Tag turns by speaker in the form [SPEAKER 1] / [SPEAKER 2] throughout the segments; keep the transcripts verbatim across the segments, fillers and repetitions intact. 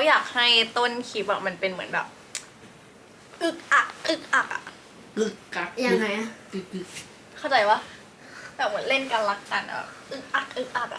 [SPEAKER 1] อยากให้ต้นคลิปอะมันเป็นเหมือนแบบอึกอักอึกอักอะ
[SPEAKER 2] กึกกัก
[SPEAKER 3] ยังไงอะ
[SPEAKER 2] กึกกึก
[SPEAKER 1] เข้าใจปะแบบเหมือนเล่นกันรักกันอะอึกอักอึกอักอะ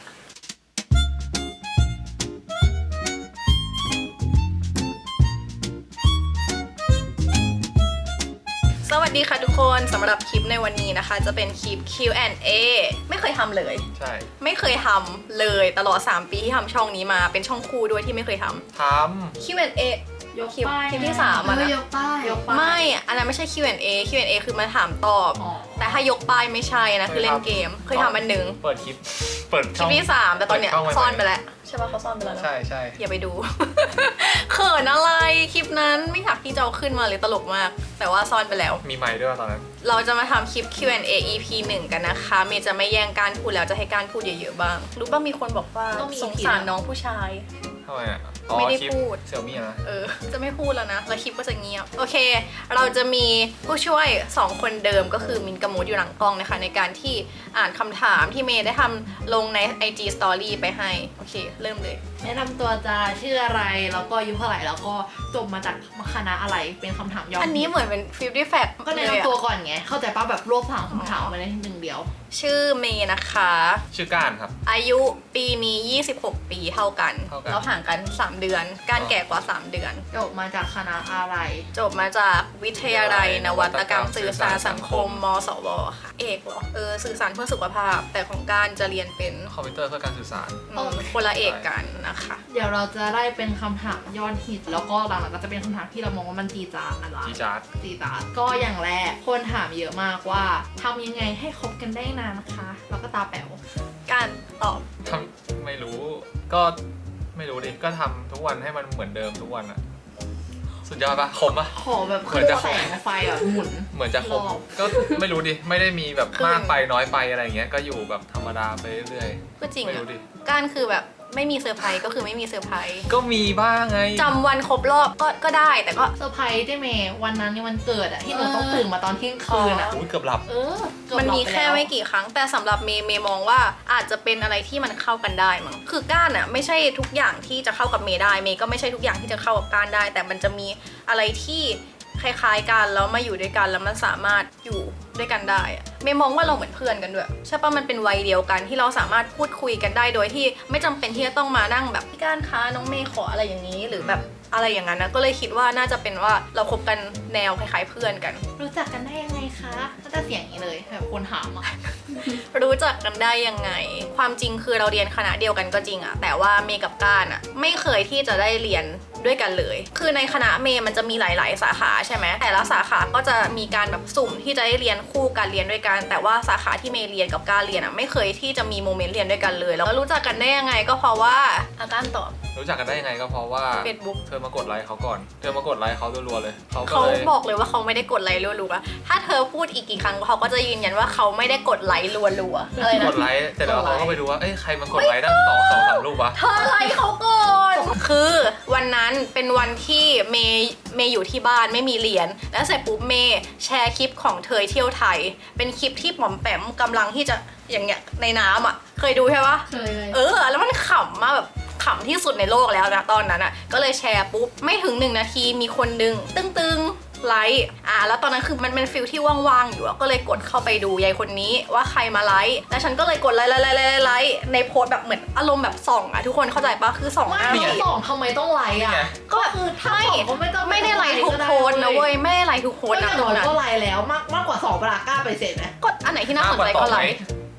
[SPEAKER 1] สวัสดีค่ะทุกคนสำหรับคลิปในวันนี้นะคะจะเป็นคลิป คิว แอนด์ เอ ไม่เคยทำเลย
[SPEAKER 4] ใช่
[SPEAKER 1] ไม่เคยทำเลยตลอดสามปีที่ทำช่องนี้มาเป็นช่องคู่ด้วยที่ไม่เคยทำ
[SPEAKER 4] ท
[SPEAKER 1] คิว แอนด์ เอ
[SPEAKER 2] ยก
[SPEAKER 1] คลิป
[SPEAKER 2] ป้าย
[SPEAKER 1] คลิปที่สาม
[SPEAKER 3] เอ
[SPEAKER 1] อะ
[SPEAKER 3] อ
[SPEAKER 1] นะ
[SPEAKER 3] ยกป้าย
[SPEAKER 2] ยกป้าย
[SPEAKER 1] ไม่อันนั้นไม่ใช่ คิว แอนด์ เอ คิว แอนด์ เอ คือมาถามตอบ
[SPEAKER 2] อ๋อ
[SPEAKER 1] แต่ถ้ายกป้ายไม่ใช่นะคือเล่นเกมเคยทำอันหนึ่ง
[SPEAKER 4] ำเปิดคลิป เปิด
[SPEAKER 1] ค
[SPEAKER 4] ช่
[SPEAKER 1] ลิ
[SPEAKER 4] อ
[SPEAKER 1] ป
[SPEAKER 4] ง
[SPEAKER 1] ที่สามแต่ตอนเนี้ย
[SPEAKER 4] เปิดช่องไว้
[SPEAKER 1] ซ่อนไปแล้วใช่ปะเขาซ่อนไปแล้วเนอะ
[SPEAKER 4] ใช่ใช่
[SPEAKER 1] อย่าไปดู เขินอะไรคลิปนั้นไม่อยากที่จะเอาขึ้นมาเลยตลกมาก แต่ว่าซ่อนไปแล้ว
[SPEAKER 4] มีไมค์ด้วยตอนนั้น
[SPEAKER 1] เราจะมาทำคลิป คิว แอนด์ เอ อี พี หนึ่งกันนะคะ เมย์จะไม่แย่งการพูดแล้วจะให้การพูดเยอะๆบ้าง รู้ป่ะมีคนบอกว่า
[SPEAKER 2] ต้องมี
[SPEAKER 1] สงสารน้องผู้ชาย
[SPEAKER 4] ทำไมอ่ะ
[SPEAKER 1] ไม่ได้
[SPEAKER 4] คลิป
[SPEAKER 1] พูด
[SPEAKER 4] เสี่ยวมี่นะ
[SPEAKER 1] เออ จะไม่พูดแล้วนะ แล้วคลิปก็จะเงียบ โอเค เราจะมีผู้ช่วยสองคนเดิมก็คือมินกับมูดอยู่หลังกล้องนะคะ ในการที่อ่านคำถามที่เมย์ได้ทำลงใน ไอ จี Story ไปให้ โอเค เริ่มเลย
[SPEAKER 2] แนะนำตัวจะชื่ออะไรแล้วก็อายุเท่าไหร่แล้วก็จบมาจากคณะอะไรเป็นคำถามย่อม
[SPEAKER 1] อันนี้เหมือนเป็นฟิลตี้แฟก
[SPEAKER 2] ก็แนะนำตัวก่อนไงเข้าใจป่ะแบบรวบสามคำถามมาในหนึ่งเดียว
[SPEAKER 1] ชื่อเมย์นะคะ
[SPEAKER 4] ชื่อก้านครับ
[SPEAKER 1] อายุปีนี้ยี่สิบหกปีเท่ากัน
[SPEAKER 4] เท่ากัน
[SPEAKER 1] เราห่างกันสามเดือน การแก่กว่าสามเดือน
[SPEAKER 2] จบมาจากคณะอะไร
[SPEAKER 1] จบมาจากวิทยาลัยนวัตกรรมสื่อสารสังคม มสวค่ะ เอกเหรอ เออ สื่อสารเพื่อสุขภาพ แต่ของการจะเรียนเป็น
[SPEAKER 4] คอมพิวเตอร์เพื่อการสื่อสาร
[SPEAKER 1] อืมคนละเอกกันนะคะ
[SPEAKER 2] เดี๋ยวเราจะได้เป็นคำถามยอดฮิตแล้วก็หลังๆก็จะเป็นคำถามที่เรามองว่ามันจีจาดอะไร
[SPEAKER 4] จีจาร์ด
[SPEAKER 2] จีจาดก็อย่างแรกคนถามเยอะมากว่าทำยังไงให้คบกันได้นานนะคะแล้วก็ตาแป๋ว
[SPEAKER 1] การตอบ
[SPEAKER 4] ทำไม่รู้ ก็ไม่รู้ดิ ก็ทำทุกวันให้มันเหมือนเดิมทุกวันอะสุดยอดปะคมปะ
[SPEAKER 2] ขอแบบ
[SPEAKER 4] เหมือนจะ
[SPEAKER 2] แสงไฟแบบหมุน
[SPEAKER 4] เหมือนจะคม
[SPEAKER 2] รอบ
[SPEAKER 4] ก็ไม่รู้ดิ ไม่ได้มีแบบมากไปน้อยไปอะไรเงี้ย ก็อยู่แบบธรรมดาไปเรื่อย
[SPEAKER 1] ก็จริง
[SPEAKER 4] ไม่
[SPEAKER 1] อะ
[SPEAKER 4] รู้ดิ
[SPEAKER 1] การคือแบบไม่มีเซอร์ไพรส์ก็คือไม่มีเซอร์ไพรส์
[SPEAKER 4] ก็มีบ้างไง
[SPEAKER 1] จำวันครบรอบก็ก็ได้แต่ก็
[SPEAKER 2] เซอร์ไพรส์ได้เมย์วันนั้นนี่วันเกิดอะที่หนูต้องตื่นมาตอนเที่ยงคืนอะ
[SPEAKER 4] อุ้ยเกือบหลับ
[SPEAKER 2] เออเกือบ
[SPEAKER 1] มันมี
[SPEAKER 2] หลับป
[SPEAKER 1] แค่
[SPEAKER 2] ล้ว
[SPEAKER 1] ไม่กี่ครั้ง แต่สำหรับเมย์เมย์มองว่าอาจจะเป็นอะไรที่มันเข้ากันได้มั้งคือก้านอะไม่ใช่ทุกอย่างที่จะเข้ากับเมย์ได้เมย์ก็ไม่ใช่ทุกอย่างที่จะเข้ากับก้านได้ แต่มันจะมีอะไรที่คล้ายๆกันแล้วมาอยู่ด้วยกันแล้วมันสามารถอยู่ด้วยกันได้อะเมย์มองว่าเราเหมือนเพื่อนกันด้วยใช่ปะมันเป็นวัยเดียวกันที่เราสามารถพูดคุยกันได้โดยที่ไม่จำเป็นที่จะต้องมานั่งแบบพี่ก้านคะน้องเมย์ขออะไรอย่างนี้หรือแบบอะไรอย่างนั้นนะก็เลยคิดว่าน่าจะเป็นว่าเราคบกันแนวคล้ายๆเพื่อนกัน
[SPEAKER 2] รู้จักกันได้ยังไงคะก็จะเสียงอย่างนี้เลยแบบคนถามอะ
[SPEAKER 1] รู้จักกันได้ยังไง ความจริงคือเราเรียนคณะเดียวกันก็จริงอะแต่ว่าเมย์กับก้านอะไม่เคยที่จะได้เรียนด้วยกันเลย คือในคณะเมย์มันจะมีหลาย ๆ สาขาใช่ไหมแต่ละสาขาก็จะมีการแบบสุ่มที่จะได้เรียนคู่กันเรียนด้วยกัน แต่ว่าสาขาที่เมย์เรียนกับก้านเรียนอะไม่เคยที่จะมีโมเมนต์เรียนด้วยกันเลยแล้วรู้จักกันได้ยังไงก็เพราะว่าอาก้านตอบ
[SPEAKER 4] รู้จักกันได้ยังไงก็เพราะว่า
[SPEAKER 1] Facebook
[SPEAKER 4] เธอมากดไลค์เขาก่อน เธอมากดไลค์เขารัวๆเลย เขาก็
[SPEAKER 1] เขา
[SPEAKER 4] เลย
[SPEAKER 1] บอกเลยว่าเขาไม่ได้กดไลค์รัวๆอะถ้าเธอพูดอีกกี่ครั้งเขาก็จะยืนยันว่าเขาไม่ได้กดไลค์รัวๆอะไร
[SPEAKER 4] ก
[SPEAKER 1] นะ
[SPEAKER 4] ดไลค์แต่แล้วเขาก็ไปดูว่า เอ้ยใครมากดไลค์ตั้งสองสองสามรูปวะ
[SPEAKER 1] เธอไลค์เขาก่อน คือวันนั้นเป็นวันที่เมย์เมย์อยู่ที่บ้านไม่มีเรียน แล้วเสร็จปุ๊บเมย์แชร์คลิปของเธอเที่ยวไทย เป็นคลิปที่หม่อมแปมกำลังที่จะอย่างเงี้ยในน้ำอ่ะ เคยดูใช่ปะ
[SPEAKER 2] เคยเลย
[SPEAKER 1] เออ แล้วมันขำมากแบบขำที่สุดในโลกแล้วนะตอนนั้นอ่ะ ก็เลยแชร์ปุ๊บไม่ถึงหนึ่งนาทีมีคนดึง ตึ้งๆไลค์อ่ะแล้วตอนนั้นคือมันเป็นฟิลที่ว่างๆอยู่อะก็เลยกดเข้าไปดูยายคนนี้ว่าใครมาไลค์แล้วฉันก็เลยกดไลค์ไลค์ไลค์ไลค์ไลค์ในโพสต์แบบเหมือนอารมณ์แบบส่องอะทุกคนเข้าใจปะคือส่องห
[SPEAKER 2] ไม่
[SPEAKER 1] น้า
[SPEAKER 4] นี่ไง
[SPEAKER 2] สองทำไมต้องไลค์อะ
[SPEAKER 4] นี่ไง
[SPEAKER 1] ก็แบบ
[SPEAKER 2] คือถ้า
[SPEAKER 1] ไม่
[SPEAKER 2] สองก็ไม่ต้อง
[SPEAKER 1] ไม่ได้ไลค์ทุกโพสต์นะเว้ยไม่ได้ไลค์ทุกโพ
[SPEAKER 2] ก็
[SPEAKER 1] สต์
[SPEAKER 2] อ
[SPEAKER 1] นะ
[SPEAKER 2] ย่าง
[SPEAKER 1] ตร
[SPEAKER 2] น้
[SPEAKER 1] ง
[SPEAKER 2] อย
[SPEAKER 1] นั้น
[SPEAKER 2] ก็ไลค์แล้วมากมากกว่าสองเวลากล้าไปเสร็จไหม
[SPEAKER 1] ก็อันไหนที่น่าสนใจก็ไลค์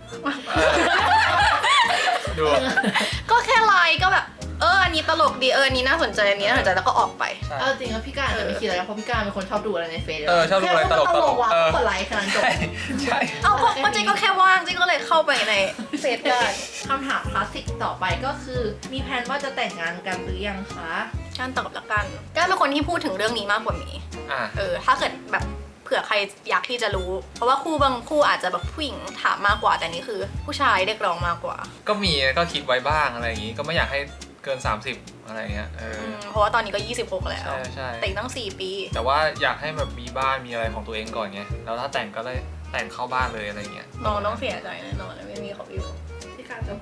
[SPEAKER 4] ดู
[SPEAKER 1] ก็แค่ไลค์ก็แบบเอออันนี้ตลกดีเอออันนี้น่าสนใจอันนี้น่าสนใจแล้วก็ออกไป
[SPEAKER 2] เอาจริงว่าพี่การจะไม่คิดอะไรเพราะพี่การเป็นคนชอบดูอะไรในเฟซ
[SPEAKER 4] เออชอบดูอะไรตลกๆ
[SPEAKER 2] แค่ว่า
[SPEAKER 4] เออ
[SPEAKER 2] กดไลค์ขนาดจบ
[SPEAKER 4] ใช่ใช่
[SPEAKER 1] เอาก็ก็เจ๊ก็แค่ว่างเจ๊ก็เลยเข้าไปในเฟซได้
[SPEAKER 2] คำถามคลาสสิกต่อไปก็คือมีแผนว่าจะแต่งงานกันหรือยังคะ
[SPEAKER 1] การตอบละกันก้านเป็นคนที่พูดถึงเรื่องนี้มากกว่าหมี
[SPEAKER 4] อ่ะ
[SPEAKER 1] เออถ้าเกิดแบบเผื่อใครอยากที่จะรู้ เพราะว่าคู่บางคู่อาจจะแบบผู้หญิงถามมากกว่าแต่นี่คือ ผู้ชายเรียกร้องมากกว่า
[SPEAKER 4] ก็มีก็คิดไว้บ้างอะไรอย่างงี้ ก็ไม่อยากให้เกิน สามสิบ อะไรเงี้ย เออ
[SPEAKER 1] อืมเพราะว่าตอนนี้ก็ยี่สิบหกแล้ว
[SPEAKER 4] ใช่ใช่
[SPEAKER 1] แต่อีกตั้งสี่ปี
[SPEAKER 4] แต่ว่าอยากให้แบบมีบ้านมีอะไรของตัวเองก่อนไง แล้วถ้าแต่งก็เลยแต่งเข้าบ้านเลยอะไรเงี้ย
[SPEAKER 1] น้องต้องเสียใจแน่นอนไม่มีเขาอยู่
[SPEAKER 2] พี่การจะห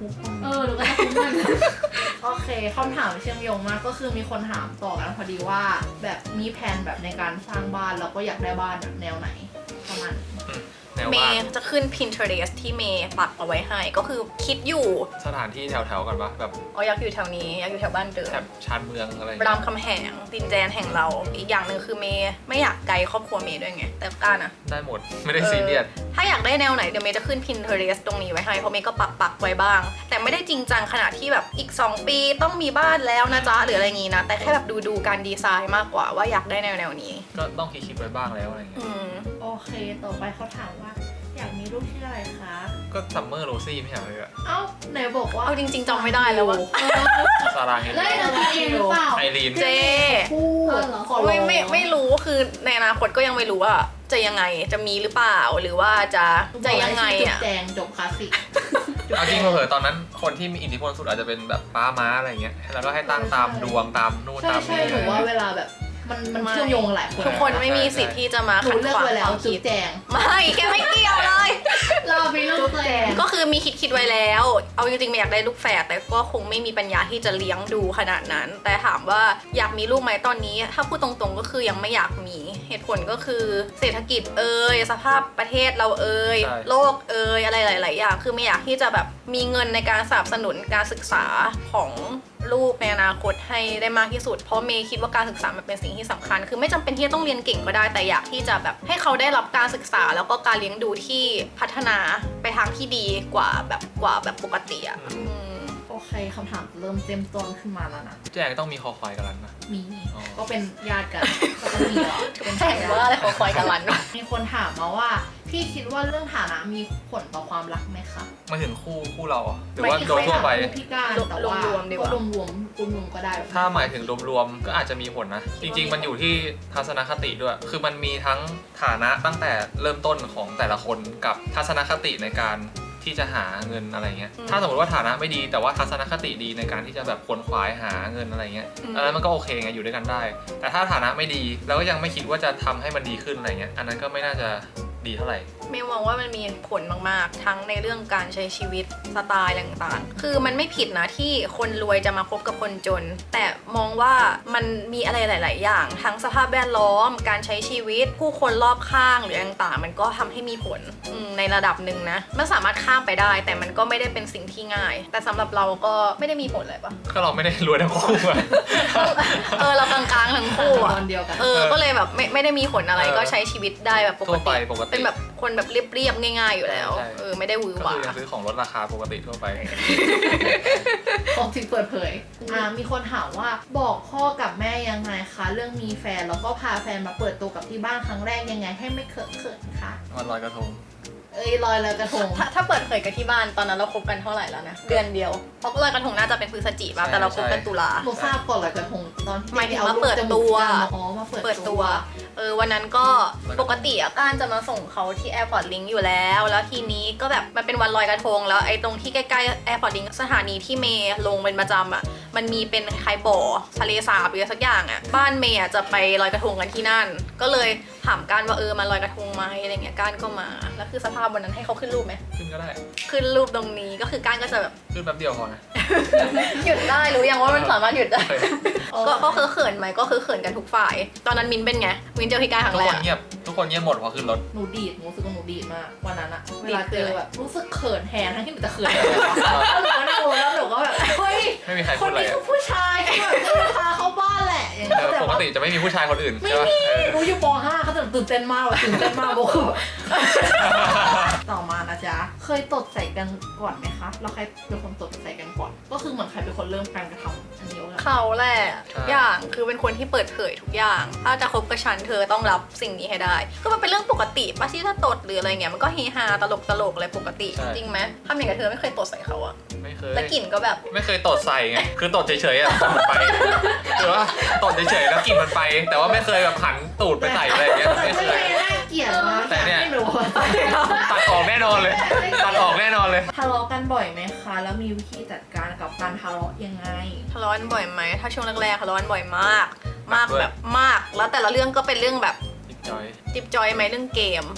[SPEAKER 2] ทุกคน
[SPEAKER 3] เออหนูก็จะคุ้มมัน
[SPEAKER 2] โอเคคำถามเชื่อมโยงมากก็คือมีคนถามต่อกันพอดีว่า แบบมีแผนแบบในการสร้างบ้านแล้วก็อยากได้บ้านแบบแนวไหนประมาณนี้
[SPEAKER 4] แนว
[SPEAKER 1] เม
[SPEAKER 4] ว่า
[SPEAKER 1] ย์จะขึ้น Pinterest ที่เมย์ปักเอาไว้ให้ก็คือคิดอยู่
[SPEAKER 4] สถานที่แถวๆกันปะแบบ
[SPEAKER 1] อ๋ออยากอยู่แถวนี้อยากอยู่แถวบ้านเดิม
[SPEAKER 4] แถบชานเมืองอะไรอย่าง
[SPEAKER 1] ราม
[SPEAKER 4] เงี้ย
[SPEAKER 1] คำแหงดินแดนแห่งเรา อีกอย่างหนึ่งคือเมย์ไม่อยากไกลครอบครัวเมย์ด้วยไงแต่ก้านอะ
[SPEAKER 4] ได้หมดไม่ได้ซีเรียส
[SPEAKER 1] ถ้าอยากได้แนวไหนเดี๋ยวเมย์จะขึ้น Pinterest ตรงนี้ไว้ให้เพราะเมย์ก็ปักปักๆไว้บ้าง แต่ไม่ได้จริงจังขนาดที่แบบอีก สอง ปีต้องมีบ้านแล้วนะจ๊ะหรืออะไรงี้นะแต่แค่แบบดูดูการดีไซน์มากกว่าว่าอยากได้แนวแนวๆนี้
[SPEAKER 4] ก็ต้องคิดๆไว้บ้างแล้วอะไรอย่างเงี้ย
[SPEAKER 1] อืม
[SPEAKER 2] โอเคต่อไปเขาถามว่า อยากมีลูกชื่ออะไรคะ
[SPEAKER 4] ก็ซัมเมอร์โรซี่ไม่ใช่เหรอเลยอะ
[SPEAKER 2] เอ้าไหนบอกว่า
[SPEAKER 1] เอาจริงๆจำไม่ได้แล้วว่า
[SPEAKER 4] ซาร่าเฮน
[SPEAKER 3] แล้วจะเองหรือเปล่า
[SPEAKER 4] ไอรีน
[SPEAKER 1] เจ
[SPEAKER 2] พูด
[SPEAKER 3] เออเหรอ
[SPEAKER 2] ขอร้อง
[SPEAKER 1] ไม่ไม่ไม่รู้คือในอนาคตก็ยังไม่รู้ว่าจะยังไงจะมีหรือเปล่าหรือว่าจะจะยังไง
[SPEAKER 2] จุด
[SPEAKER 1] อ่ะ
[SPEAKER 2] แจงจบคลาสสิก
[SPEAKER 4] เอาจริงเผลอๆตอนนั้นคนที่มีอิทธิพลสุดอาจจะเป็นแบบป้าม้าอะไรเงี้ยแล้วก็ให้ตั้งตามดวงตามนู่น
[SPEAKER 2] ใช่
[SPEAKER 4] ตาม
[SPEAKER 2] ใช่
[SPEAKER 4] นี่
[SPEAKER 2] หนูว่าเวลาแบบมันมัน
[SPEAKER 1] ไม่
[SPEAKER 2] เชื่อมโยงหลายคน
[SPEAKER 1] ทุกคนไม่มีสิทธิ์ที่จะมา
[SPEAKER 2] หนู
[SPEAKER 1] ขัด
[SPEAKER 2] เลือ
[SPEAKER 1] ข
[SPEAKER 2] ก
[SPEAKER 1] วาง
[SPEAKER 2] ไว้แล้ว
[SPEAKER 1] ความ
[SPEAKER 2] จุ
[SPEAKER 1] คิ
[SPEAKER 2] ด
[SPEAKER 1] ด
[SPEAKER 2] แจง
[SPEAKER 1] ไม่แกไม่เกี่ยวเลย
[SPEAKER 3] เรามีลูกตัวเอง
[SPEAKER 1] ก็คือมีคิดคิดไว้แล้ว เอาจริงๆไม่อยากได้ลูกแฝดแต่ก็คงไม่มีปัญญาที่จะเลี้ยงดูขนาดนั้น แต่ถามว่าอยากมีลูกไหมตอนนี้ ถ้าพูดตรงๆก็คือยังไม่อยากมีเหตุผลก็คือเศรษฐกิจเอ่ยสภาพประเทศเราเอ่ยโลกเอ่ยอะไรหลายๆอย่างคือไม่อยากที่จะแบบมีเงินในการสนับสนุนการศึกษาของลูกในอนาคตให้ได้มากที่สุดเพราะเมย์คิดว่าการศึกษามันเป็นสิ่งที่สำคัญ คือไม่จำเป็นที่จะต้องเรียนเก่งก็ได้แต่อยากที่จะแบบให้เขาได้รับการศึกษาแล้วก็การเลี้ยงดูที่พัฒนาไปทางที่ดีกว่าแบบกว่าแบบปกติอ่ะอืม
[SPEAKER 2] โอเคคำถามเริ่มเต็มต้นขึ้นมาแล้วนะ
[SPEAKER 4] แจงต้องมีคอควายกันแล้วนะ
[SPEAKER 2] มี
[SPEAKER 4] อ๋อ
[SPEAKER 2] ก็เป็นญาติกันก็ต้องมีหรอเป็น
[SPEAKER 1] แข่งว่าอะไรของคอยกันลันวะ
[SPEAKER 2] มีคนถามมาว่า พี่คิดว่าเรื่องฐานะมีผลต่อความรักไหมคะ
[SPEAKER 4] มาถึงคู่คู่เราอะหรือว่าโดยทั่วไป
[SPEAKER 2] ม่พี่การแต่ว่าร
[SPEAKER 1] วมๆดีกว่า
[SPEAKER 2] รวมรวมรวมรวมๆก็ได้
[SPEAKER 4] ถ้าหมายถึงรวมๆก็อาจจะมีผลนะ จริง ๆ มันอยู่ที่ทัศนคติด้วย คือมันมีทั้งฐานะตั้งแต่เริ่มต้นของแต่ละคนกับทัศนคติในการที่จะหาเงินอะไรเงี้ย
[SPEAKER 1] อืม
[SPEAKER 4] ถ้าสมมติว่าฐานะไม่ดีแต่ว่าทัศนคติดีในการที่จะแบบขวนขวายหาเงินอะไรเงี้ย
[SPEAKER 1] อืม
[SPEAKER 4] อันนั้นมันก็โอเคไงอยู่ด้วยกันได้ แต่ถ้าฐานะไม่ดีแล้วก็ยังไม่คิดว่าจะทำให้มันดีขึ้นอะไรเงี้ย อันนั้นก็ไม่น่าจะดีเท่าไหร่
[SPEAKER 1] เมย์มองว่ามันมีผลมากๆ ทั้งในเรื่องการใช้ชีวิตสไตล์ต่างๆ คือมันไม่ผิดนะที่คนรวยจะมาคบกับคนจน แต่มองว่ามันมีอะไรหลาย ๆ อย่าง ทั้งสภาพแวดล้อม การใช้ชีวิต ผู้คนรอบข้างหรือต่างๆ มันก็ทำให้มีผลอืมในระดับหนึ่งนะ มันสามารถข้ามไปได้ แต่มันก็ไม่ได้เป็นสิ่งที่ง่าย แต่สำหรับเราก็ไม่ได้มีผลอะไรปะ
[SPEAKER 4] ก็เราไม่ได้รวยทั้งคู่อะ
[SPEAKER 1] เออเรากลางๆทั้งคู่อะ
[SPEAKER 2] ตอนเดียวกัน
[SPEAKER 1] เออ ก็เลยแบบไม่ไม่ได้มีผลอะไร
[SPEAKER 4] เออ
[SPEAKER 1] ก็ใช้ชีวิตได้แบบปก
[SPEAKER 4] ทั่วไป
[SPEAKER 1] ติ
[SPEAKER 4] ปกติ
[SPEAKER 1] เป็นแบบคนแบบเรียบๆง่าย ๆ อยู่แล้ว
[SPEAKER 4] ใช่
[SPEAKER 1] เออไม่ได้หวือ
[SPEAKER 4] ก็
[SPEAKER 1] หวา
[SPEAKER 4] คือยังซื้อของลดราคาปกติทั่วไป
[SPEAKER 2] ของจริงเปิดเผย อ่า มีคนถามว่าบอกพ่อกับแม่ยังไงคะ เรื่องมีแฟนแล้วก็พาแฟนมาเปิดตัวกับที่บ้านครั้งแรกยังไงให้ไม่เขินเขินๆคะ
[SPEAKER 4] วันลอยกระทง
[SPEAKER 2] เอ้ยลอยลอยกระทง
[SPEAKER 1] ถ้าถ้าเปิดเผยกันที่บ้านตอนนั้นเราคบกันเท่าไหร่แล้วนะ เดือนเดียว เพราะลอยกระทงน่าจะเป็นพฤศจิกา
[SPEAKER 4] ใช่
[SPEAKER 1] แต่เราคบกันตุลา
[SPEAKER 2] หนูทราบก่อนลอยกระทงตอนที่
[SPEAKER 1] หมายถึง
[SPEAKER 2] เอา
[SPEAKER 1] มา
[SPEAKER 2] รูป
[SPEAKER 1] เปิด
[SPEAKER 2] จมูก
[SPEAKER 1] ตัว
[SPEAKER 2] กันอ๋อมาเปิด
[SPEAKER 1] เปิดตัว เออวันนั้นก็ปกติอะก้านจะมาส่งเขาที่แอร์พอร์ตลิงอยู่แล้ว แล้วทีนี้ก็แบบมันเป็นวันลอยกระทง แล้วไอ้ตรงที่ใกล้ๆแอร์พอร์ตลิงสถานีที่เมย์ลงเป็นประจำอะมันมีเป็นคล้ายๆบ่อทะเลสาบหรืออะไรสักอย่างอะบ้านเมย์อะจะไปลอยกระทงกันที่นั่น ก็เลยถามก้านว่าเออมาลอยกระทงไหมอะไรเงี้ยก้านก็มา แล้วคือสภาพวันนั้นให้เขาขึ้นรูปไหม
[SPEAKER 4] ขึ้นก็ได้
[SPEAKER 1] ขึ้นรูปตรงนี้ก็คือก้านก็จะแบบ
[SPEAKER 4] ขึ้นแป๊บเดียวพอนะ
[SPEAKER 1] หยุดได้รู้ยังว่ามันสามารถหยุดได้
[SPEAKER 4] โอเค
[SPEAKER 1] ก็ก็คือเขินไหมก็คือเขินกันทุกฝ่าย ตอนนั้นมินเป็นไง มินเจอพี่ก้านครั้
[SPEAKER 4] ทุ
[SPEAKER 1] ง
[SPEAKER 4] ก
[SPEAKER 1] แร
[SPEAKER 4] ค
[SPEAKER 1] ก
[SPEAKER 4] นเงียบ ทุกคนเงียบหมดพอขึ้นรถ
[SPEAKER 2] หนูดีดหนูรู้สึกว่าหนูดีดมากวันนั้นอะเว
[SPEAKER 1] ดีด
[SPEAKER 2] ลา
[SPEAKER 1] คื
[SPEAKER 2] เจ
[SPEAKER 1] อ
[SPEAKER 2] อ
[SPEAKER 1] อะไร
[SPEAKER 2] แบบรู้สึกเขินแทนทั้งที่หนูจะเขินเลยแล้วหนูก็นั่งลงแล้วหนูก็แบบเฮ้ย
[SPEAKER 4] ไม่มีใคร
[SPEAKER 2] ค
[SPEAKER 4] พู
[SPEAKER 2] น
[SPEAKER 4] ดอะไร
[SPEAKER 2] นี้
[SPEAKER 4] อะ
[SPEAKER 2] คือผู้ชายที่แบบจะพาเข้าบ้านแหละอย่าง
[SPEAKER 4] เอ
[SPEAKER 2] เงี้ย
[SPEAKER 4] อ
[SPEAKER 2] แต่
[SPEAKER 4] ปก
[SPEAKER 2] ว่า
[SPEAKER 4] ติจะไม่มีผู้ชายคนอื่น
[SPEAKER 2] ไม่
[SPEAKER 4] ใช่ปะ
[SPEAKER 2] มี
[SPEAKER 4] เออ
[SPEAKER 2] หนูอยู่ป ห้าเขาจะตื่นเต้นมากแบบตื่นเต้นมากโบคือแบบต่อมานะจ๊ะเคยตดใส่กันก่อนไหมคะแล้วใครเป็นคนตดใส่กันก่อน ก็คือเหมือนใครเป็นคนเริ่มการกระทำอันนี้ว่า
[SPEAKER 1] เขาแหละทุกอย่างคือเป็นคนที่เปิดเผยทุกอย่าง ถ้าจะคบกับฉันเธอต้องรับสิ่งนี้ให้ได้ ก็มันเป็นเรื่องปกติป่ะที่ถ้าตดหรืออะไรเงี้ยมันก็เฮฮาตลกตลกอะไรปกติ
[SPEAKER 4] ใช่
[SPEAKER 1] จริงไหมทำอย่างกับเธอไม่เคยตดใส่เขาอะ
[SPEAKER 4] ไม่เคย
[SPEAKER 1] แล้วกลิ่นก็แบบ
[SPEAKER 4] ไม่เคยตดใส่ไง คือตดเฉยๆอ่ะตดมันไปหรือว่าตดเฉยๆแล้วกลิ่นมันไป แต่ว่าไม่เคยแบบหันตูดไปใส่อะไรอย่างเงี้ย ไม่
[SPEAKER 2] ไม่
[SPEAKER 4] เคย
[SPEAKER 2] ได้น่าเกลียดมาก
[SPEAKER 4] แต่เนี่ย
[SPEAKER 2] ไม่รู้ว่า
[SPEAKER 4] ตัดออกแน่นอนเลย ตัดออกแน่นอนเลย
[SPEAKER 2] ทะเลาะกันบ่อยไหมคะ แล้วมีวิธีจัดการกับการทะเลาะยังไง
[SPEAKER 1] ทะเลาะกันบ่อยไหมถ้าช่วงแรกๆทะเลาะกันบ่อยมาก มาก
[SPEAKER 4] ด้วย
[SPEAKER 1] แบบมาก แล้วแต่ละเรื่องก็เป็นเรื่องแบบ
[SPEAKER 4] จิ๊บจอย
[SPEAKER 1] จิบจอยไหมเรื่องเกม เป็น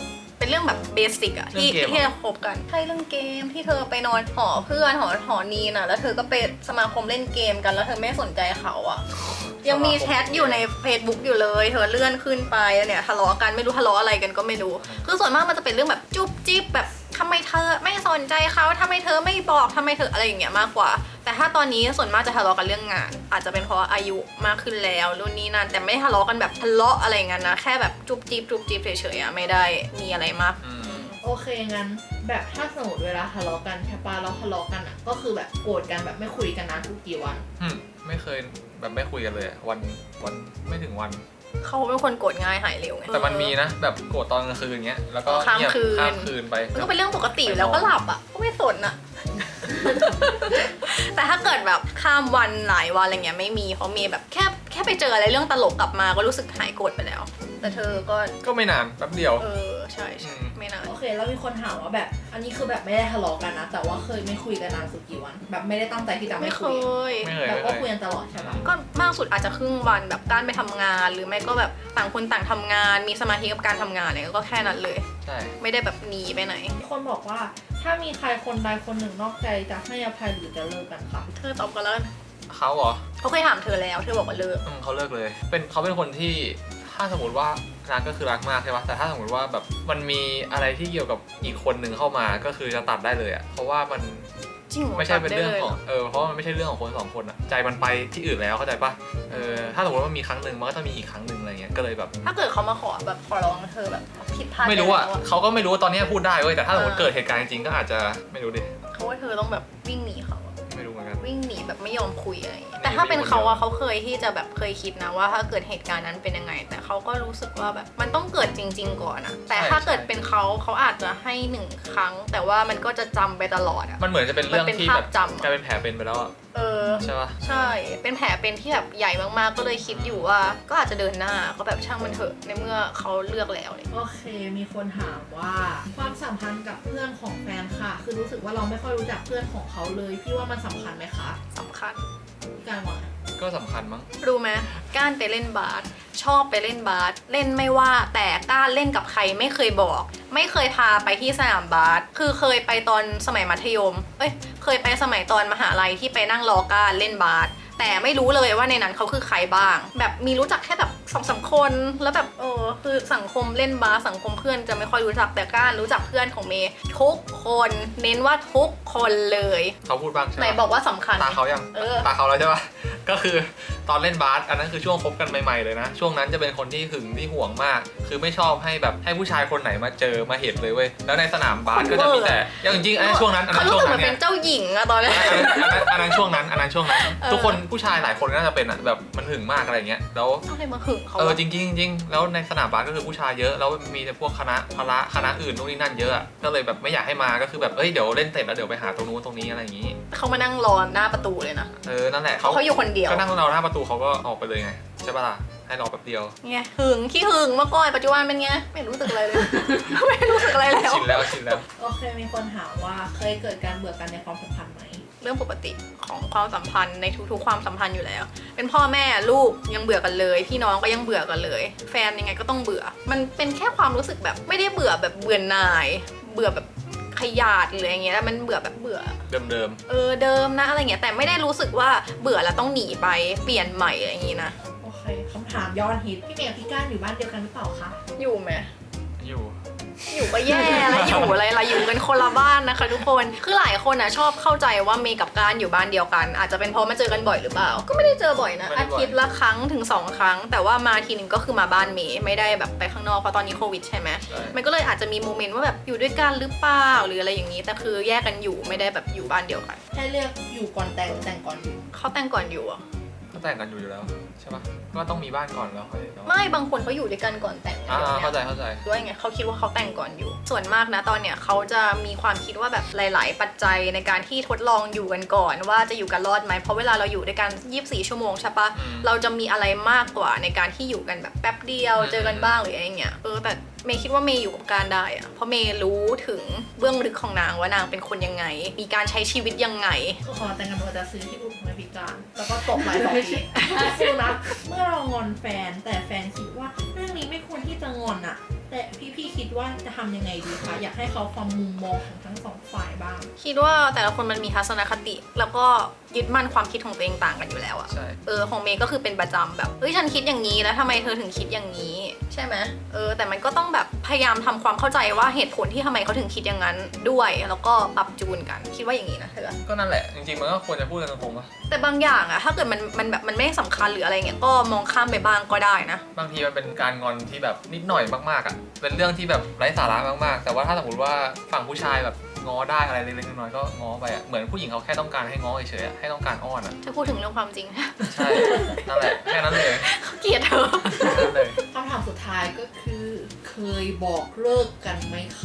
[SPEAKER 1] เป็นเรื่องแบบเบสิกอะที่ที่เราคบกันใช่เรื่องเกมที่เธอไปนอนหอเพื่อนหอหอนีน่ะแล้วเธอก็ไปสมาคมเล่นเกมกันแล้วเธอไม่สนใจเขาอะยังมีแชทอยู่ใน Facebook อยู่เลยเธอเลื่อนขึ้นไปเนี่ยทะเลาะกันไม่รู้ทะเลาะอะไรกันก็ไม่รู้คือส่วนมากมันจะเป็นเรื่องแบบจุ๊บจิ๊บแบบทำไมเธอไม่สนใจเขาทำไมเธอไม่บอกทำไมเธออะไรอย่างเงี้ยมากกว่าแต่ถ้าตอนนี้ส่วนมากจะทะเลาะกันเรื่องงานอาจจะเป็นเพราะอายุมากขึ้นแล้วรุ่นนี้นั่นแต่ไม่ทะเลาะกันแบบทะเลาะอะไรเงี้ยนะแค่แบบจุ๊บจิ๊บจุ๊บจิ๊บเฉยๆอะไม่ได้มีอะไรมาก
[SPEAKER 4] อืม
[SPEAKER 2] โอเคงั้นแบบถ้าสมมติเวลาทะเลาะกันใช่ปะเราทะเลาะกันอ่ะก็คือแบบโกรธกันแบบไม่คุยกันนานทุกกี่วัน
[SPEAKER 4] อืมไม่เคยแบบไม่คุยกันเลยอะวันวันไม่ถึงวัน
[SPEAKER 1] เขาเป็นคนโกรธง่ายหายเร็วไง
[SPEAKER 4] แต่มันมีนะแบบโกรธตอนกลางคืนเงี้ยแล้วก็
[SPEAKER 1] ข้าม
[SPEAKER 4] เงียบ
[SPEAKER 1] คืน
[SPEAKER 4] ข้ามคืนไป
[SPEAKER 1] มันก็เป็นเรื่องปกติอยู่แล้วก็หลับอ่ะก็ไม่สนอ่ะ แต่ถ้าเกิดแบบข้ามวันหลายวันอะไรเงี้ยไม่มีเพราะมีแบบแค่แค่ไปเจออะไรเรื่องตลกกลับมาก็รู้สึกหายโกรธไปแล้ว แต่เธอก็
[SPEAKER 4] ก็ไม่นานแป๊บเดียว
[SPEAKER 1] เออใช่ใช่
[SPEAKER 4] อืม
[SPEAKER 1] ไม่นาน
[SPEAKER 2] โอเคแล้วมีคนถามว่าแบบอันนี้คือแบบไม่ได้ทะเลาะกันนะแต่ว่าเคยไม่คุยกันนานสุดกี่วัน แบบไม่ได้ตั้งใจที่จะ
[SPEAKER 1] ไม่
[SPEAKER 2] ไม่
[SPEAKER 1] เค
[SPEAKER 2] คุย
[SPEAKER 1] ย
[SPEAKER 4] ไม่เคย
[SPEAKER 2] แบบ
[SPEAKER 4] ไม่
[SPEAKER 2] ก็
[SPEAKER 4] เค
[SPEAKER 2] คุย
[SPEAKER 4] ย
[SPEAKER 2] กันตลอดใช่ปะ
[SPEAKER 1] ก็มากสุดอาจจะครึ่งวันแบบการไปทำงานหรือไม่ก็แบบต่างคนต่างทำงาน มีสมาธิกับการทำงานเนี่ยก็แค่นั้นเลย
[SPEAKER 4] ใช่
[SPEAKER 1] ไม่ได้แบบหนีไปไหน
[SPEAKER 2] มีคนบอกว่าถ้ามีใครคนใดคนหนึ่งนอกใจจะให้อภัยหรือจะเลิกกันค่ะ
[SPEAKER 1] เธอตอบกันแล้วกัน
[SPEAKER 4] เขาเหรอ
[SPEAKER 1] เขาเคยถามเธอแล้วเธอบอกว่าเลิก
[SPEAKER 4] อืมเขาเลิกเลย เป็นเขาเป็นคนที่ถ้าสมมติว่ารักก็คือรักมากใช่ปะแต่ถ้าสมมติว่าแบบมันมีอะไรที่เกี่ยวกับอีกคนหนึ่งเข้ามาก็คือจะตัดได้เลยอะเพราะว่ามัน
[SPEAKER 1] จริงเหรอ
[SPEAKER 4] ไม่ใช่เป็นเรื่องของ
[SPEAKER 1] ตัดได้ลยห
[SPEAKER 4] เออเพราะว่ามันไม่ใช่เรื่องของคนสองคนอะใจมันไปที่อื่นแล้วเข้าใจปะเออถ้าสมมติว่ามีครั้งหนึ่งมันก็จะมีอีกครั้งหนึ่งอะไรเงี้ยก็เลยแบบ
[SPEAKER 1] ถ้าเกิดเขามาขอแบบขอร้องเธอแบบผิดพลาด
[SPEAKER 4] ไม่รู้อะ
[SPEAKER 1] ปแล้ว
[SPEAKER 4] เขาก็ไม่รู้ว่าตอนนี้พูดได้เว้ยแต่ถ้าสมมติ
[SPEAKER 1] เออ
[SPEAKER 4] เกิดเหตุการณ์จริงๆก็อาจจะไม่รู้ดิ
[SPEAKER 1] เขาว่าเธอต้องแบบวิ่งหนีเขาอะ
[SPEAKER 4] ไม่รู้เหมือนกัน
[SPEAKER 1] วิ่งหนีแบบไม่ยอมคุยอะไรอย่างเงี้ย
[SPEAKER 4] หนี
[SPEAKER 1] แต่ถ้าเป็นเขา
[SPEAKER 4] ไปคนเดียว
[SPEAKER 1] อะเขาเคยที่จะแบบเคยคิดนะว่าถ้าเกิดเหตุการณ์นั้นเป็นยังไง แต่เขาก็รู้สึกว่าแบบมันต้องเกิดจริง ๆ ก่อนอะแต่ถ้าเกิดเป็นเขาเขาอาจจะให้หนึ่งครั้ง แต่ว่ามันก็จะจำไปตลอดอะ
[SPEAKER 4] มันเหมือนจะเป็นเรื่อง
[SPEAKER 1] มันเป็น
[SPEAKER 4] ที่
[SPEAKER 1] ภาพ
[SPEAKER 4] แบบ
[SPEAKER 1] จำอะ
[SPEAKER 4] กลายเป็นแผลเป็นไปแล้วอะ
[SPEAKER 1] เออ
[SPEAKER 4] ใช่ปะ
[SPEAKER 1] ใช่ เป็นแผลเป็นที่แบบใหญ่มากๆ ก็เลยคิดอยู่ว่า ก็อาจจะเดินหน้าก็แบบช่างมันเถอะในเมื่อเขาเลือกแล้วเลย
[SPEAKER 2] โอเค มีคนถามว่าความสัมพันธ์กับเพื่อนของแฟนค่ะ คือรู้สึกว่าเราไม่ค่อยรู้จักเพื่อนของเขาเลย พี่ว่ามันสำคัญไหมคะ
[SPEAKER 1] สำคัญ
[SPEAKER 2] พี่การว่าไง
[SPEAKER 4] ก็สำคัญมั้ง
[SPEAKER 1] รู้ไหมก้านไปเล่นบาสชอบไปเล่นบาสเล่นไม่ว่าแต่ก้านเล่นกับใครไม่เคยบอก ไม่เคยพาไปที่สนามบาสคือเคยไปตอนสมัยมัธยมเอ้ยเคยไปสมัยตอนมหาลัยที่ไปนั่งรอก้านเล่นบาสแต่ไม่รู้เลยว่าในนั้นเขาคือใครบ้าง แบบมีรู้จักแค่แบบสองสามคนแล้วแบบเออคือสังคมเล่นบาสสังคมเพื่อนจะไม่ค่อยรู้จักแต่ก้านรู้จักเพื่อนของเมย์ทุกคนเน้นว่าทุกคนเลย
[SPEAKER 4] เขาพูดบ้างใช่
[SPEAKER 1] ไหน
[SPEAKER 4] ปะ
[SPEAKER 1] บอกว่าสำคัญ
[SPEAKER 4] ตาเขายัง
[SPEAKER 1] เออ
[SPEAKER 4] ตาเขาแล้วใช่ปะก็คือตอนเล่นบาสอันนั้นคือช่วงคบกันใหม่ๆเลยนะ ช่วงนั้นจะเป็นคนที่หึงที่ห่วงมาก คือไม่ชอบให้แบบให้ผู้ชายคนไหนมาเจอมาเห็นเลยเว้ย แล้วในสนามบาสก็จะมีแต่อย่างจริงๆอันนั้นช่วงนั้นอัน
[SPEAKER 1] เขา
[SPEAKER 4] นั้น
[SPEAKER 1] รู้
[SPEAKER 4] ช่วง
[SPEAKER 1] สึกเห
[SPEAKER 4] นั้
[SPEAKER 1] มือน น
[SPEAKER 4] เนี่
[SPEAKER 1] เป็
[SPEAKER 4] ย
[SPEAKER 1] นเจ้าหญิงอะตอนนี้
[SPEAKER 4] อันนั้นอันนั้นอันนั้นช่วงนั้น อันนั้นช่วงนั้น
[SPEAKER 1] เออ
[SPEAKER 4] ทุกคนผู้ชายหลายคนก็น่าจะเป็นอ่ะแบบมันหึงมากอะไรเงี้ย แล้ว
[SPEAKER 1] อะไรมาหึงเขา
[SPEAKER 4] เออ
[SPEAKER 1] วะ
[SPEAKER 4] จริงๆจริงๆแล้วในสนามบาสก็คือผู้ชายเยอะ แล้วมีแต่พวกคณะพละคณะอื่นนู่นนี่นั่นเยอะอะก็เลยแบบไม่อยากให้มา ก็คือแบบเอ้ยเดี๋ยวเล่นเสร็จแล้วเดี๋ยวไปหาตรงนู้นตรงนี้อะไรอย่างงี้
[SPEAKER 1] เขามานั่งรอหน้าประตูเลยนะ
[SPEAKER 4] เออ นั่นแหละ
[SPEAKER 1] เขาเขาอยู่คนเดียว
[SPEAKER 4] ก็นั่งรอหน้าประตูเขาก็ออกไปเลยไงใช่ปะล่ะให้รอแป๊บเดียว
[SPEAKER 1] ไงหึงขี้หึงเมื่อก่อนปัจจุบันเป็นไงไม่รู้สึกอะไรเลย ไม่รู้สึกอะไรแล้ว
[SPEAKER 4] ชินแล้วชินแล้ว
[SPEAKER 2] โอเค มีคนถามว่าเคยเกิดการเบื่อกันในความสัมพันธ์ไหม
[SPEAKER 1] เรื่องปกติของความสัมพันธ์ในทุกๆความสัมพันธ์อยู่แล้ว เป็นพ่อแม่ลูกยังเบื่อกันเลย พี่น้องก็ยังเบื่อกันเลย แฟนยังไงก็ต้องเบื่อ มันเป็นแค่ความรู้สึกแบบไม่ได้เบื่อแบบเบื่อหน่าย เบื่อแบบขยาดหรืออย่างเงี้ยมันเบื่อแบบเบื่อ
[SPEAKER 4] เดิมเดิม
[SPEAKER 1] เออเดิมนะอะไรเงี้ยแต่ไม่ได้รู้สึกว่าเบื่อแล้วต้องหนีไปเปลี่ยนใหม่อะไรอย่างงี้นะ
[SPEAKER 2] โอเคคำถามยอดฮิต พี่เมย์กับพี่ก้านอยู่บ้านเดียวกันหรือเปล่าคะ
[SPEAKER 1] อยู่ไหม
[SPEAKER 4] อยู่
[SPEAKER 1] อยู่ก็แย่แล้วอยู่อะไรล่ะอยู่กันคนละบ้านนะคะทุกคนคือหลายคนอ่ะชอบเข้าใจว่าเมย์กับการอยู่บ้านเดียวกัน อาจจะเป็นเพราะมาเจอกันบ่อยหรือเปล่า ก็ไม่ได้เจอบ่อยนะ
[SPEAKER 4] ไม่ได้
[SPEAKER 1] อา
[SPEAKER 4] บ่อย
[SPEAKER 1] ทิตย์ละครั้งถึงสองครั้ง แต่ว่ามาทีนึงก็คือมาบ้านเมย์ไม่ได้แบบไปข้างนอกเพราะตอนนี้โควิดใช่ไหม
[SPEAKER 4] ใช่
[SPEAKER 1] มันก็เลยอาจจะมีโมเมนต์ว่าแบบอยู่ด้วยกันหรือเปล่าหรืออะไรอย่างนี้แต่คือแยกกันอยู่ไม่ได้แบบอยู่บ้านเดียวกัน
[SPEAKER 2] ให้เลือกอยู่ก่อนแต่งหรือแต่งก่อนอยู่
[SPEAKER 1] เขาแต่งก่อนอยู่อ่ะ
[SPEAKER 4] ก็แต่งกันอยู่อยู่แล้วใช่ปะก็ต้องมีบ้านก่อนแล้วค่อย
[SPEAKER 1] ไม่บางคนเขาอยู่ด้วยกันก่อนแต่ง
[SPEAKER 4] อ่า
[SPEAKER 1] อะไรแบบ
[SPEAKER 4] เข้าใจ
[SPEAKER 1] เนี้ย
[SPEAKER 4] เข้าใจ
[SPEAKER 1] ด้วยไงเขาคิดว่าเขาแต่งก่อนอยู่ ส่วนมากนะตอนเนี้ยเขาจะมีความคิดว่าแบบหลาย ๆ ปัจจัยในการที่ทดลองอยู่กันก่อน ว่าจะอยู่กันรอดไหมเพราะเวลาเราอยู่ด้วยกันยี่สิบสี่ชั่วโมงใช่ปะ
[SPEAKER 4] อืม
[SPEAKER 1] เราจะมีอะไรมากกว่าในการที่อยู่กันแบบแป๊บเดียว
[SPEAKER 4] อืม
[SPEAKER 1] เจอกันบ้างหรืออะไรเงี้ยเออแต่เมย์คิดว่าเมย์อยู่กับการได้อะเพราะเมย์รู้ถึงเบื้องลึกของนางว่านางเป็นคนยังไง มีการใช้ชีวิตยังไง
[SPEAKER 2] ก็ขอแต่งกันว่าจะซื้อที่อุดมพิการ แล้วก็ตกหลายสองทีสู้นะ เมื่อเรางอนแฟนแต่แฟนคิดว่าเรื่องนี้ไม่ควรที่จะงอนอะแต่พี่ๆคิดว่าจะทำยังไงดีคะอยากให้เขาฟังมุมมองของทั้งสองฝ่ายบ้าง
[SPEAKER 1] คิดว่าแต่ละคนมันมีทัศนคติ แล้วก็ยึดมั่นความคิดของตัวเองต่างกันอยู่แล้วอะ
[SPEAKER 4] ใช่
[SPEAKER 1] เออของเมย์ก็คือเป็นประจำแบบเฮ้ยฉันคิดอย่างนี้แล้วทำไมเธอถึงคิดอย่างนี้ ใช่ไหมเออแต่มันก็ต้องแบบพยายามทำความเข้าใจว่าเหตุผลที่ทำไมเขาถึงคิดอย่างนั้นด้วยแล้วก็ปรับจูนกันคิดว่าอย่างนี้นะเธอ
[SPEAKER 4] ก็นั่นแหละจริงๆมันก็ควรจะพูดกันตรงๆป่ะ
[SPEAKER 1] แต่บางอย่างอะถ้าเกิดมันมันแบบมันไม่สำคัญหรืออะไรเงี้ยก็มองข้ามไปบ้างก็ได้นะ
[SPEAKER 4] บางทีมันเป็นการงอนที่แบบนิดหน่อยมากๆอ่ะเป็นเรื่องที่แบบไร้สาระมากๆแต่ว่าถ้าสมมติว่าฝั่งผู้ชายแบบง้อได้อะไรเล็กๆน้อยๆก็ง้อไปอ่ะเหมือนผู้หญิงเขาแค่ต้องการให้ง้อเฉยๆอะให้ต้องการอ้อนอ่ะ
[SPEAKER 1] ถ้าพูดถึงเรื่องความจริง
[SPEAKER 4] ใช่นั่นแหละแค่นั้นเลย
[SPEAKER 1] เขาเกลียดเธอ
[SPEAKER 4] แค่นั้นเลย
[SPEAKER 2] คำถามสุดท้ายก็คือ เคยบอกเลิกกันไหมคะ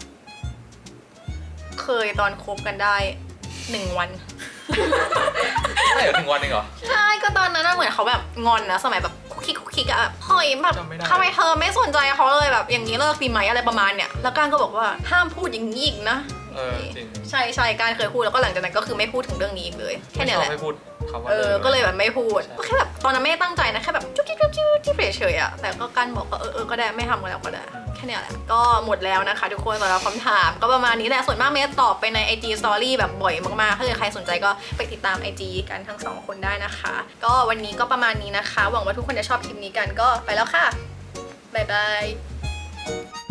[SPEAKER 1] เคยตอนคบกันได้หนึ่งวัน
[SPEAKER 4] ใช่เหรอถึงวันหนึงเหรอ
[SPEAKER 1] ใช่ก็ตอนนั้นน่ะเหมือนเขาแบบงอนนะสมัยแบบคุกคิกคุกคิกอะแบบเฮ้ยแบบ
[SPEAKER 4] จำไม่ได้
[SPEAKER 1] ทำไมเธอไม่สนใจเขาเลยแบบอย่างนี้เลิกดีไหมอะไรประมาณเนี้ยแล้วก้านก็บอกว่าห้ามพูดอย่างนี้อีกนะ
[SPEAKER 4] เออจริง
[SPEAKER 1] ใช่ใช่ก้านเคยพูดแล้วก็หลังจากนั้นก็คือไม่พูดถึงเรื่องนี้อีกเลยแค่
[SPEAKER 4] ไม่
[SPEAKER 1] เนี้
[SPEAKER 4] ช
[SPEAKER 1] ย
[SPEAKER 4] อบ
[SPEAKER 1] แหละ
[SPEAKER 4] ให้พูดคำว่า
[SPEAKER 1] เออ
[SPEAKER 4] ลิ
[SPEAKER 1] ก็เลยแบบไม่พูดก็แค่แบบตอนนั้นไม่ได้ตั้งใจนะแค่แบบจุ๊บจิ๊บจุ๊บจิ๊บจิ๊บเฉยๆอะแต่ก็ก้านบอกก็เออเออก็ได้ไม่ทำกันแล้วก็ได้แค่เนี้ยแหละก็หมดแล้วนะคะทุกคนสำหรับคำถามก็ประมาณนี้แหละส่วนมากเมย์ตอบไปใน ไอ จี Story แบบบ่อยมากๆถ้าเกิดใครสนใจก็ไปติดตาม ไอ จี กันทั้งสองคนได้นะคะ ก็วันนี้ก็ประมาณนี้นะคะ หวังว่าทุกคนจะชอบคลิปนี้กันก็ไปแล้วค่ะบ๊ายบาย